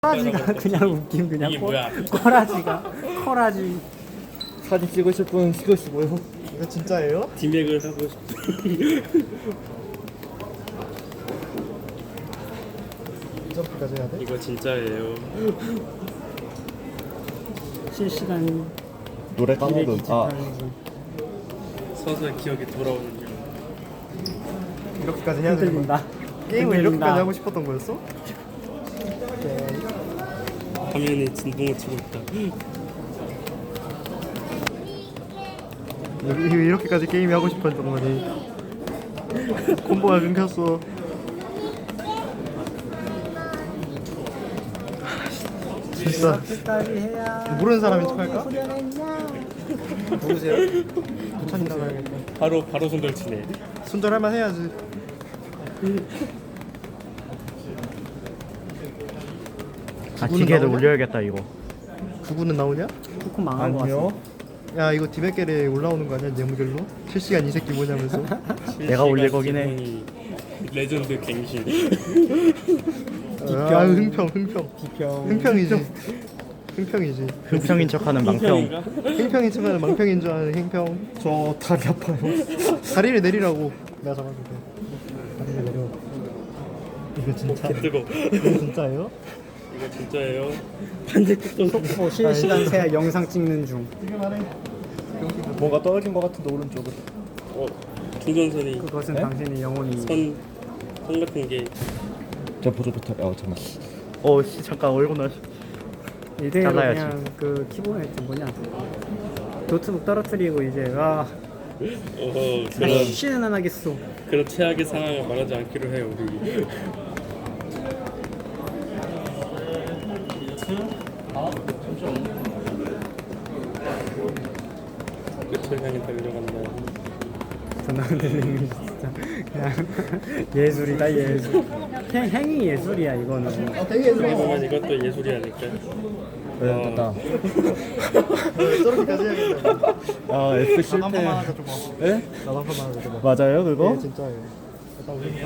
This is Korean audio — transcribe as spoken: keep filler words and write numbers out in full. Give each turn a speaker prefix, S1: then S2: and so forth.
S1: 코라지가 그냥 웃김 그냥
S2: 이게
S1: 코,
S2: 뭐야?
S1: 코라지가 코라지.
S3: 사진 찍으실 분 찍으시고요.
S4: 이거 진짜예요?
S2: 디맥을 하고 싶어.
S4: 점프까지 해야 돼?
S2: 이거 진짜예요.
S1: 실시간
S3: 노래
S1: 기획
S3: 까먹음. 아,
S2: 서서히 기억이 돌아오는 중.
S4: 이렇게까지 해야 되는 거야?
S1: 흔들린다.
S4: 게임을
S1: 흔들린다.
S4: 이렇게까지 하고 싶었던 거였어?
S2: 화면이 진동을 치고 있다.
S4: 이- 이- 이렇게까지 게임이 하고 싶었던 거니. 콤보가 끊겼어. 진짜
S1: 이렇게까지 해야
S4: 모르는 사람이 척할까?
S1: 후련했냐?
S4: 누구세요? 부천이 나가야겠다.
S2: 바로 바로 손절치네.
S4: 손절할만 해야지.
S3: 아 기계를
S4: 나오냐?
S3: 올려야겠다 이거.
S4: 구구는 나오냐?
S1: 쿠쿠 망한 거 같아.
S3: 아니요.
S4: 야 이거 디백겔에 올라오는 거 아니야? 뇌물결로? 실시간 이 새끼 뭐냐면서.
S3: 내가 올릴 거긴 해.
S2: 실시간 레전드 갱신.
S4: 아 흥평 흥평.
S1: 비평.
S4: 흥평이지. 흥평이지.
S3: 흥평인 척하는 망평.
S2: 평인가?
S4: 행평인 척하는 망평인 줄 아는 행평. 저 다리 아파요. 다리를 내리라고. 내가 잡아줄게. 다리를 내려. 이거 진짜.
S2: 뜨거.
S4: 이거 진짜예요?
S2: 이거 진짜예요. 반대쪽도
S1: 속보 실시간 세야 영상 찍는 중.
S4: 이게 말해.
S3: 뭔가 떨어진 것 같은데 오른쪽으로.
S2: 어 중전선이
S1: 그것은
S3: 네?
S1: 당신의 영혼이.
S2: 선, 선 같은 게
S3: 저 보조 부터. 아 잠깐. 어씨 잠깐 얼굴 나.
S1: 이대로
S3: 잘라야지.
S1: 그냥 그 키보드 뭐냐 노트북 떨어뜨리고 이제 와
S2: 어허 그런
S1: 쉬는 안 하겠어.
S2: 그런 최악의 상황을 말하지 않기로 해요 우리. 끝을 향해 달려간다.
S1: 전화되는 진짜 그냥 예술이다 예술. 행, 행위 예술이야 이거는.
S2: 어떻게 보면 이것도 예술이 아닐까.
S3: 네, 됐다.
S4: 저렇게까지 해야겠다.
S3: 아 F
S4: 나도 한 번만
S3: 실패.
S4: 하자 좀 봐.
S3: 예?
S4: 나도 한 번만 하자 좀 봐.
S3: 맞아요 그거?
S4: 네 진짜예요. 일단 우리